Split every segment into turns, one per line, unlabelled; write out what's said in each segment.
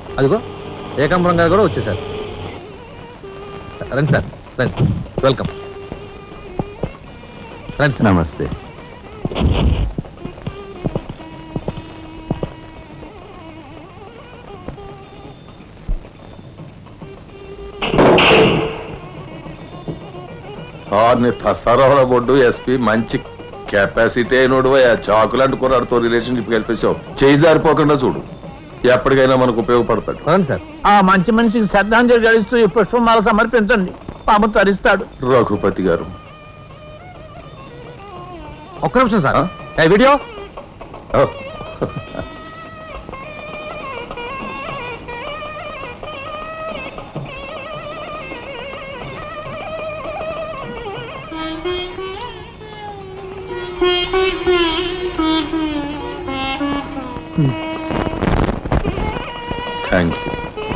అదిగో ఏకాంబరం గారు కూడా వచ్చేసారు. రండి సార్, రండి, వెల్కమ్. రండి సార్.
నమస్తే.
సరవల బొడ్డు ఎస్పీ మంచి కెపాసిటీ అయినోడు చాకులు అంటుకున్నాడుతో రిలేషన్షిప్ కల్పించావు. చేయి జారిపోకుండా చూడు, ఎప్పటికైనా మనకు ఉపయోగపడతాడు.
అవును సార్.
ఆ మంచి మనిషికి శ్రద్ధాంజలి గడిస్తూ ఈ పుష్పమాల సమర్పించండి, పాము తరిస్తాడు.
రఘుపతి గారు
ఒక్క నిమిషం సార్. వీడియో
ఓ, థ్యాంక్ యూ.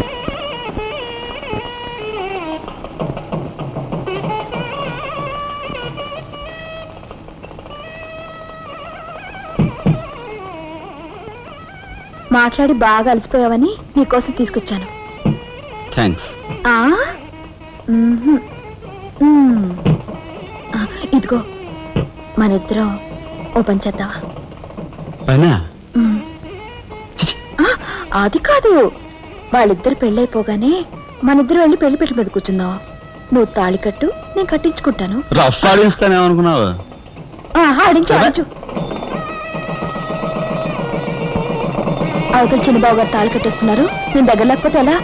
మాట్లాడి బాగా అలసిపోయావని నీకోసం తీసుకొచ్చాను.
థ్యాంక్స్.
ఇదిగో మన ఇద్దరం ఓ పని చేద్దావా?
పైనా?
అది కాదు, వాళ్ళిద్దరు పెళ్ళైపోగానే మనిద్దరు వెళ్ళి పెళ్లి పెట్టు మీద కూర్చుందాం. నువ్వు తాళి కట్టు, నేను కట్టించుకుంటాను.
రఫ్ ఆడిస్తానేమనుకున్నావు?
ఆడించు ఆడించు. అవతల చిన్నబాబు గారు తాళి కట్టేస్తున్నారు, నేను దగ్గర లేకపోతే ఎలా?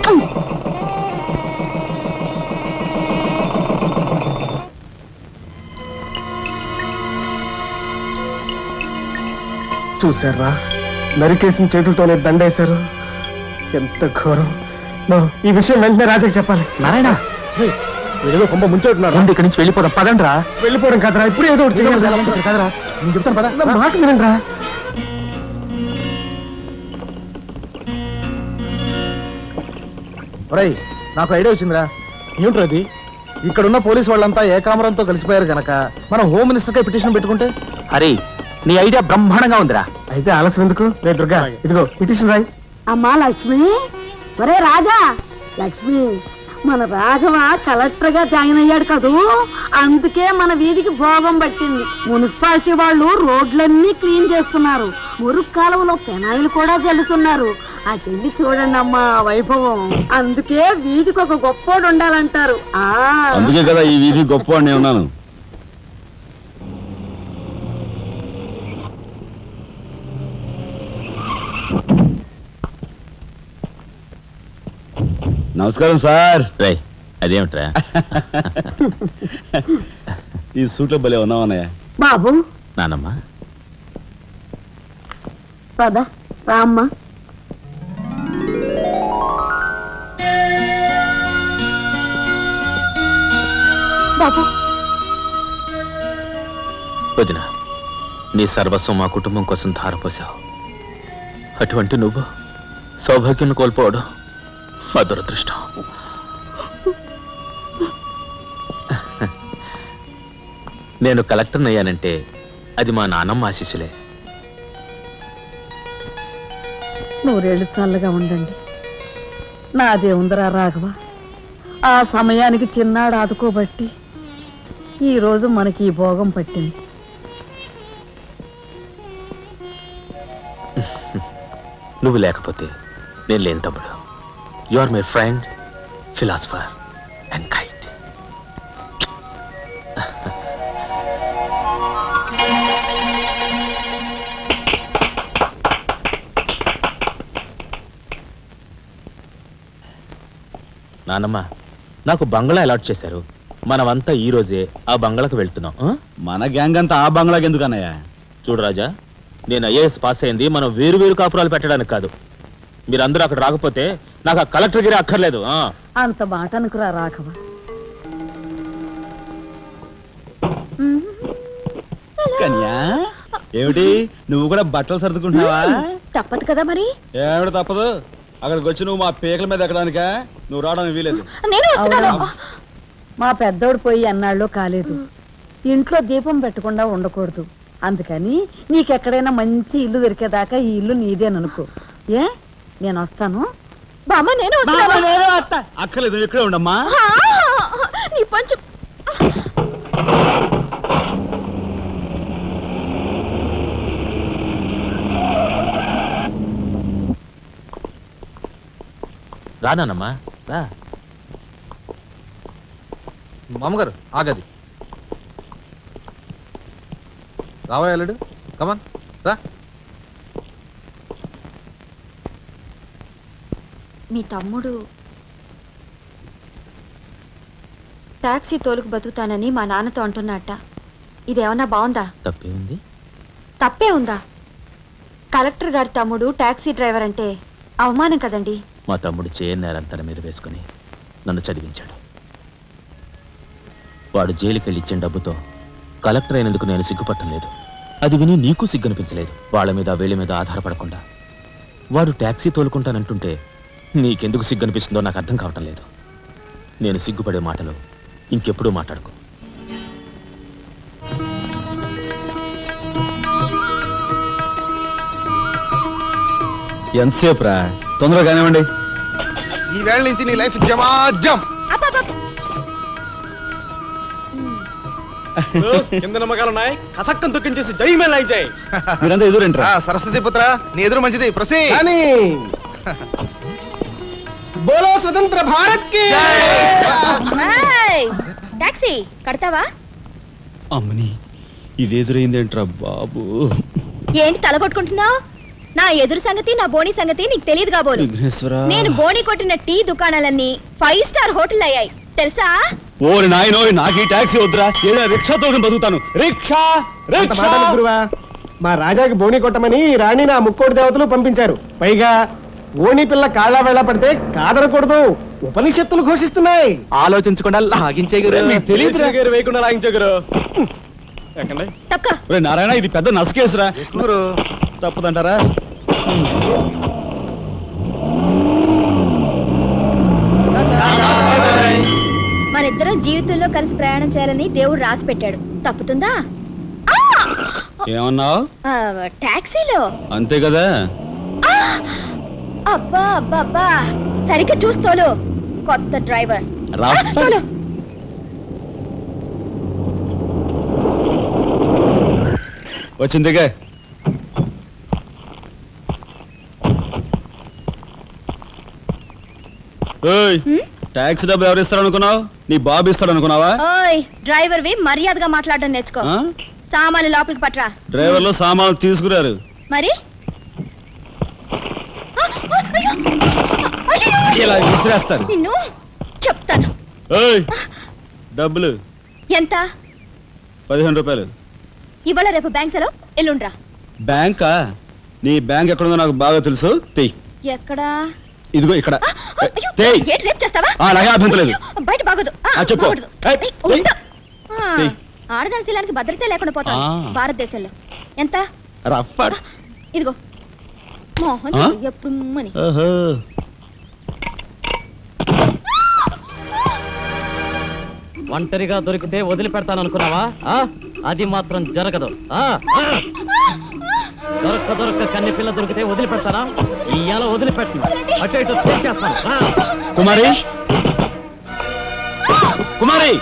చూసారా, నరికేసిన చేతులతోనే దండేశారు. ఎంత ఘోరం. ఈ విషయం వెంటనే రాజాకి చెప్పాలి.
నారాయణ, ఏదో కొంప ముంచెట్టున్నారు. రండి, ఇక్కడి నుంచి వెళ్ళిపోదాం. పదండి రా.
వెళ్ళిపోవడం కదరా, ఇప్పుడు ఏదో ఒకటి చేయాలి
కదరా, నేను చెప్తాను పద.
నా మాట వినండి రా.
ఒరేయ్, నాకు ఐడియా వచ్చిందిరా.
ఏమిట్రా అది?
ఇక్కడున్న పోలీసు వాళ్ళంతా ఏకామరంతో కలిసిపోయారు గనక మనం హోమ్ మినిస్టర్ పిటిషన్ పెట్టుకుంటే.
అరే, నీ ఐడియా బ్రహ్మాండంగా ఉందిరా.
అయితే ఆలస్యం ఎందుకు? రే దుర్గా, ఇదిగో పిటిషన్ రాయి.
అమ్మా లక్ష్మి, ఒరే రాజా, లక్ష్మి, మన రాఘవ కలెక్టర్ గా జాయిన్ అయ్యాడు కదూ, అందుకే మన వీధికి భోగం పట్టింది. మున్సిపాలిటీ వాళ్ళు రోడ్లన్నీ క్లీన్ చేస్తున్నారు, మురుగు కాలువలో పెనాయిలు కూడా చల్లుతున్నారు. అటెళ్ళి చూడండి అమ్మా వైభవం. అందుకే వీధికి ఒక గొప్పోడు ఉండాలంటారు.
అందుకే కదా ఈ వీధి గొప్పవాడిని ఉన్నాను. నమస్కారం సార్. రే, అదేమిట్రా ఈ సూట్లో భలే ఉన్నావన్నయ్య.
బాబు,
నానమ్మ,
పద రామ్మా.
బాబు,
వదిన, నీ సర్వస్వం మా కుటుంబం కోసం ధారపోసావు. అటువంటి నువ్వు సౌభాగ్యం కోల్పోవడం మా దురదృష్టం. నేను కలెక్టర్ అయ్యానంటే అది మా నాన్నమ్మ ఆశీస్సులే.
నూరేళ్ళు చల్లగా ఉండండి. నాదే ఉందరా రాఘవ, ఆ సమయానికి చిన్నాడు ఆదుకోబట్టి ఈరోజు మనకి ఈ భోగం పట్టింది.
నువ్వు లేకపోతే నేను లేని తమ్ముడు. You are my friend, philosopher and guide. నానమ్మ, నాకు బంగ్లా అలాట్ చేశారు. మనమంతా ఈ రోజే ఆ బంగ్లాకు వెళ్తున్నాం.
మన గ్యాంగ్ అంతా ఆ బంగ్లాకి ఎందుకు అన్నయ్య?
చూడు రాజా, నేను ఐఏఎస్ పాస్ అయింది మనం వేరు వేరు కాపురాలు పెట్టడానికి కాదు. మీరందరూ అక్కడ రాకపోతే నాకు ఆ కలెక్టర్ గిరి అక్కర్లేదు.
అంత మాట అనుకురా రాఘవ.
కన్యా, ఏమిటి నువ్వు కూడా బట్టలు సర్దుకుంటున్నావా?
తప్పదు కదా మరి.
ఏమిటి తప్పదు? అక్కడికి వచ్చి నువ్వు మా పీకల మీద ఎక్కడానికా? నువ్వు రావడానికి వీలేదు.
మా పెద్దోడు పోయి అన్నాళ్ళు కాలేదు. ఇంట్లో దీపం పెట్టకుండా ఉండకూడదు. అందుకని నీకెక్కడైనా మంచి ఇల్లు దొరికేదాకా ఈ ఇల్లు నీదేననుకో. ఏ, నేను వస్తాను,
బామ్మ నేను వస్తాను.
అక్కర్లేదు నువ్వు ఇక్కడే ఉండమ్మా.
ఆ, నీ పంచు.
రానమ్మా రా.
మామగారు ఆగది రావా అల్లుడు, కమాన్ రా.
మీ తమ్ముడు టాక్సీ తోలుకు బతుకుతానని మా నాన్నతో అంటున్నట్ట. ఇదేమన్నా బాగుందా?
తప్పే ఉంది.
తప్పే ఉందా? కలెక్టర్ గారి తమ్ముడు టాక్సీ డ్రైవర్ అంటే అవమానం కదండి.
మా తమ్ముడు చేయన్నారని తన మీద వేసుకుని నన్ను చదివించాడు. వాడు జైలుకెళ్ళి ఇచ్చిన డబ్బుతో కలెక్టర్ అయినందుకు నేను సిగ్గుపట్టం లేదు. అది విని నీకు సిగ్గనిపించలేదు. వాళ్ళ మీద వీళ్ళ మీద ఆధారపడకుండా వాడు టాక్సీ తోలుకుంటానంటుంటే నీకెందుకు సిగ్గనిపిస్తుందో నాకు అర్థం కావటం లేదు. నేను సిగ్గుపడే మాటలు ఇంకెప్పుడూ మాట్లాడుకో.
ఎంతసేపు రా, తొందరగా కానివ్వండి.
ఈ వేళ నుంచి నీ లైఫ్ జమాజం.
కింద నమ్మకాలున్నాయి, కసక్కం తొక్కించేసి జైమేలా జై.
మీరంతా ఎదురేంట్రా?
సరస్వతి పుత్ర, నీ ఎదురు మంచిది. ప్రసీ
కానీ బోలో స్వతంత్ర భారత్ కి
టాక్సీ కడతావా?
అమ్మని ఇది ఎదురైందేంట్రా బాబు.
ఏంటి తల కొట్టుకుంటున్నావు? నా ఎదురు సంగతి నా బోని సంగతి నీకు తెలియదు కాబోలు.
విఘ్నేశ్వర,
నేను బోని కొట్టిన టీ దుకాణాలన్నీ 5 స్టార్ హోటల్ అయ్యాయి తెలుసా?
ఓరి నాయనో, నాకు ఈ టాక్సీ వద్దురా. ఏదో రిక్షాతో బతుకుతాను. Rickshaw rickshaw.
గురువా, మా రాజాకి బోని కొట్టమని రాణి నా ముక్కోటి దేవతలు పంపించారు. పైగా ఓణి పిల్ల కాళ్ళ వేళ పడితే కాదనకూడదు, ఉపనిషత్తులు ఘోషిస్తున్నాయి.
ఆలోచించకుండా లాగించే
నీకు తెలియదురా?
వేయకుండా లాగించగరు.
తక్క
ఒరే నారాయణ, ఇది పెద్ద నసకేసురా.
గురు
తప్పదంటారా?
మనిద్దరం జీవితంలో కలిసి ప్రయాణం చేయాలని దేవుడు రాసి పెట్టాడు. తప్పుతుందా?
ఏమన్నావు?
టాక్సీలో
అంతే కదా.
అబ్బా అబ్బా అబ్బా, సరిగ్గా చూస్తోలు. కొత్త డ్రైవర్ తోలు.
వచ్చిందిగా. ట్యాక్సీ డబ్బు ఎవరు ఇస్తారు అనుకున్నావు? నీ బాబు ఇస్తాడు అనుకున్నావా?
ఓయ్ డ్రైవర్ వి మర్యాదగా మాట్లాడడం నేర్చుకో.
ఆ?
సామాన్లు లోపలికి పట్రా.
డ్రైవర్లు సామాన్లు తీసుకురారు.
మరి
ఇలా విసిరేస్తారు.
నిన్ను చెప్తాను.
ఏయ్, డబ్బులు
ఎంత?
15 రూపాయలు.
ఇవాళ రేపు బ్యాంక్ సెలవు, ఎల్లుండ్రా.
బ్యాంకా? నీ బ్యాంక్ ఎక్కడుందో నాకు బాగా తెలుసు. తెయ్.
ఎక్కడా?
ఇదిగో ఇక్కడ.
అయ్యో,
తెయ్.
ఏంటి రేపు చేస్తావా?
అలాగే అభ్యంతరం లేదు.
బయట బాగోదు.
చెప్పు.
బాగోదు.
ఏయ్,
ఏయ్, ఉండు.
తెయ్.
ఆడదాని శీలానికి భద్రత లేకుండా పోతాం భారతదేశంలో. ఎంత?
రఫ్.
ఇదిగో మోహన్ ఎప్పుడు మని.
ఓహో.
ఒంటరిగా దొరికితే వదిలిపెడతాను అనుకున్నావా? అది మాత్రం జరగదు. దొరక్క కన్ని పిల్ల దొరికితే వదిలిపెడతానా? ఇయ్యాల వదిలిపెట్టను, అటు ఇటు చేస్తాను.
కుమారి, కుమారి,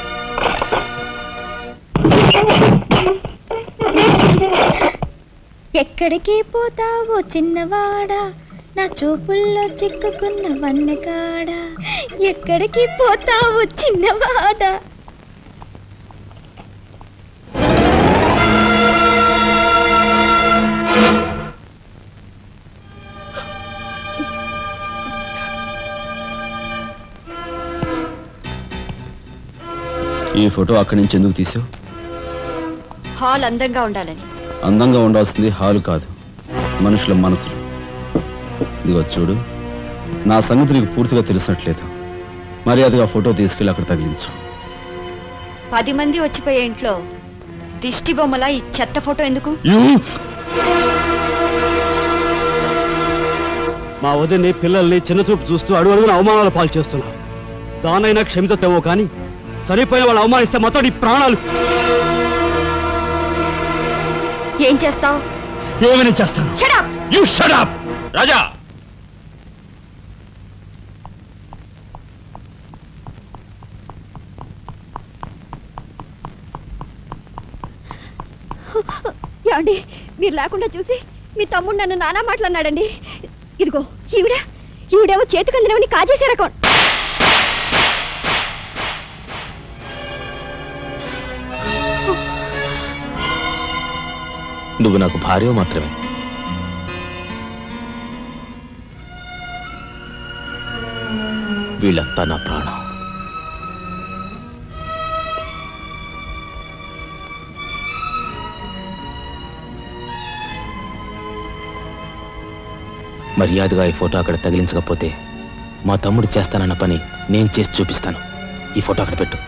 ఎక్కడికి పోతావో చిన్నవాడా, నా చూపుల్లో చిక్కుకున్న వన్నకాడా. ఎక్కడికి పోతావో చిన్నవాడా.
ఈ ఫోటో అక్కడి నుంచి ఎందుకు తీసావు?
హాల్ అందంగా ఉండాలని.
అందంగా ఉండాల్సింది హాలు కాదు, మనుషుల మనసులు. ఇదిగో చూడు, నా సంగతి నీకు పూర్తిగా తెలిసినట్లేదు. మర్యాదగా ఫోటో తీసుకెళ్ళి అక్కడ తగిలించు.
10 మంది వచ్చిపోయే ఇంట్లో దిష్టి బొమ్మలా ఈ చెత్త ఫోటో ఎందుకు?
మా వదిని పిల్లల్ని చిన్న చూపు చూస్తూ అడుగున అవమానాలు పాలు చేస్తున్నా. దానైనా క్షమితేమో కానీ చనిపోయిన వాళ్ళు అవమానిస్తే మొత్తం నీ ప్రాణాలు.
ఏం చేస్తావు?
ఏమైనా చేస్తాను.
You shut up. రాజా,
ఏమండి మీరు లేకుండా చూసి మీ తమ్ముడు నన్ను నానా మాట్లాడినాడండి. ఇదిగో ఈవిడేమో చేతికందినవని కాజేసే రకం.
నువ్వు నాకు భార్య మాత్రమే. వీళ్ళంతా నా ప్రాణం. మర్యాదగా ఈ ఫోటో అక్కడ తగిలించకపోతే మా తమ్ముడు చేస్తానన్న పని నేను చేసి చూపిస్తాను. ఈ ఫోటో అక్కడ పెట్టు.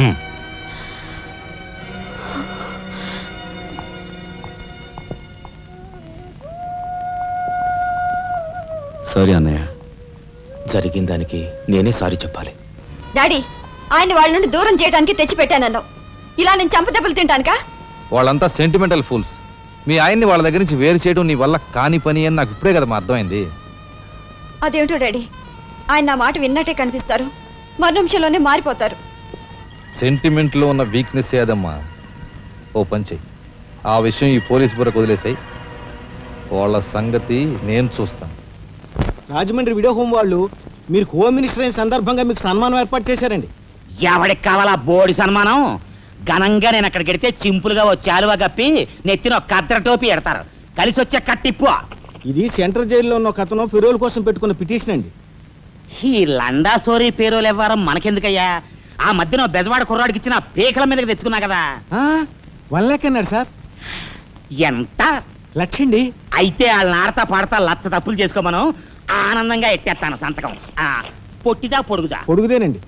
సారీ అన్నయ్య.
జరిగిన దానికి నేనే సారీ చెప్పాలి.
డాడీ, ఆయన్ని వాళ్ళ నుండి దూరం చేయడానికి తెచ్చిపెట్టానన్నావు. ఇలా నేను చంపదెబ్బలు తింటానుకా?
వాళ్ళంతా సెంటిమెంటల్ ఫూల్స్. మీ ఆయన్ని వాళ్ళ దగ్గర నుంచి వేరు చేయడం నీ వల్ల కాని పని అని నాకు ఇప్పుడే కదా అర్థమైంది.
అదేమిటో డాడీ, ఆయన నా మాట విన్నట్టే కనిపిస్తారు, మరు నిమిషంలోనే మారిపోతారు.
సెంటిమెంట్లో ఉన్న వీక్నెస్ ఏదమ్మా. ఓ పని చెయ్యి, ఆ విషయం ఈ పోలీస్ బుర్రకు వదిలేసాయి. వాళ్ళ సంగతి నేను చూస్తాను.
రాజమండ్రి వీడియో హోమ్ వాళ్ళు మీరు హోమ్ మినిస్టర్ అయిన సందర్భంగా మీకు సన్మానం ఏర్పాటు చేశారండి.
ఎవడికి కావాలా బోడి సన్మానం? ఘనంగా నేను అక్కడికి వెడితే చింపులుగా ఓ చాలువా కప్పి నెత్తిన ఒక కద్ర టోపీ ఎడతారు. కలిసి వచ్చే కట్టిప్పు.
ఇది సెంట్రల్ జైల్లో ఉన్న ఒక అతను ఫిరోల్ కోసం పెట్టుకున్న పిటిషన్ అండి.
ఈ లండా సోరీ పేరోలు ఇవ్వడం మనకెందుకయ్యా? ఆ మధ్యన బెజవాడ కుర్రాడికి ఇచ్చిన పీకల మీదకి తెచ్చుకున్నా కదా.
1 lakh అన్నాడు సార్.
ఎంత?
1,00,000 అండి.
అయితే వాళ్ళని ఆడతా పాడతా లచ్చ తప్పులు చేసుకోమను. ఆనందంగా ఎట్టేస్తాను సంతకం. పొట్టిదా పొడుగుదా?
పొడుగుదేనండి.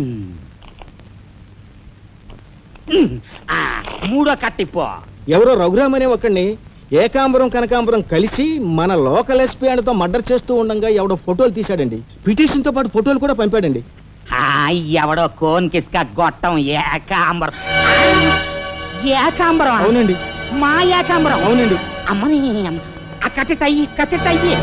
మూడో కట్టిప్పు.
ఎవరో రఘురామ్ అనే ఒకడిని ఏకాంబరం కనకాంబరం కలిసి మన లోకల్ ఎస్పీ అండ్తో మర్డర్ చేస్తూ ఉండగా ఎవడో ఫోటోలు తీశాడండి. పిటిషన్ తో పాటు ఫోటోలు కూడా పంపాడండి.
ఎవడో కోన్ కిస్క గొట్టం ఏకాంబరం. ఏకాంబరం?
అవునండి.
మా ఏకాంబరం?
అవునండి.
అమ్మని కట్టెట్టయ్యి కట్టెట్టయ్యి.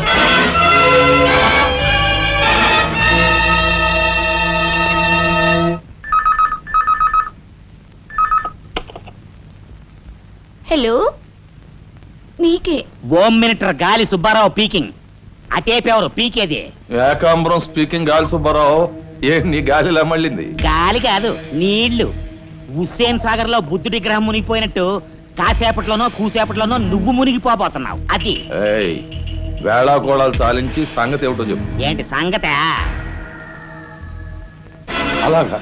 హలో, మీకే.
Home minister Gali Subbarao peaking. అటేపెవరు పీకేది?
ఏకాంబరం స్పీకింగ్. గాలి సుబ్బారావు, ఏ నీ గాలిలా మళ్ళింది?
గాలి కాదు, నీళ్లు. హుస్సేన్ సాగర్ లో బుద్ధుడి గ్రహం మునిగిపోయినట్టు కాసేపట్లోనో కూసేపట్లోనో నువ్వు మునిగిపోబోతున్నావు. అది
వేళాకోళాలు సాలించి సంగతి ఏమిటో చెప్పు.
ఏంటి సంగతే?
అలాగా